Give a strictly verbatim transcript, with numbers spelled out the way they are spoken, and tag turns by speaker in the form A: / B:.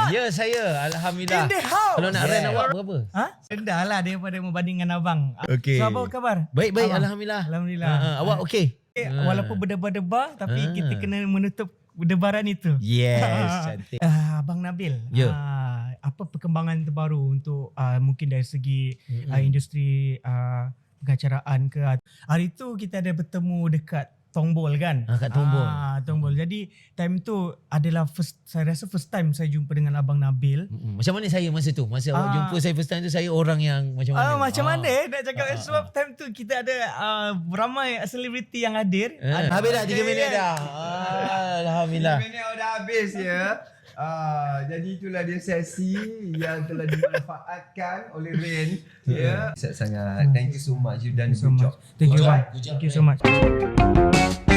A: Ya saya, alhamdulillah.
B: In the house.
A: Kalau nak
C: Yeah.
A: rent awak berapa?
B: Ha? Rendah lah daripada membandingkan abang.
A: Okey.
B: So apa khabar?
A: Baik baik,
B: Abang?
A: alhamdulillah.
B: Alhamdulillah.
A: Ha, ha, awak okey?
B: Eh,
A: Ha.
B: Walaupun berdebar-debar tapi
A: Ah.
B: kita kena menutup debaran itu.
A: Yes, cantik.
B: Uh, Abang Nabil,
A: Ya.
B: uh, apa perkembangan terbaru untuk uh, mungkin dari segi
A: Mm-mm.
B: uh, industri uh, pengacaraan ke? Hari tu kita ada bertemu dekat Tongbol kan?
A: Ah, kat Tongbol.
B: Ah, Tongbol. Jadi time tu adalah first, saya rasa first time saya jumpa dengan Abang Nabil.
A: Mm-mm. Macam mana saya masa tu? Masa awak
B: Ah.
A: jumpa saya first time tu, saya orang yang macam mana?
B: Ah, macam
A: Ah.
B: mana eh nak cakap
A: Ah, ah,
B: sebab time tu kita ada uh, ramai selebriti yang hadir.
A: Eh,
B: Ada-
A: habis dah tiga
B: Eh,
A: minit
B: eh.
A: dah. Ah, alhamdulillah.
C: Minit dah habis ya. Ah, jadi itulah dia sesi yang telah dimanfaatkan oleh Rain. Ya. Sangat sangat. Thank you so much. You done a
B: so
C: good
B: much.
C: job.
B: Thank you,
A: Good
B: bang.
A: job. Good job,
B: Thank you so much.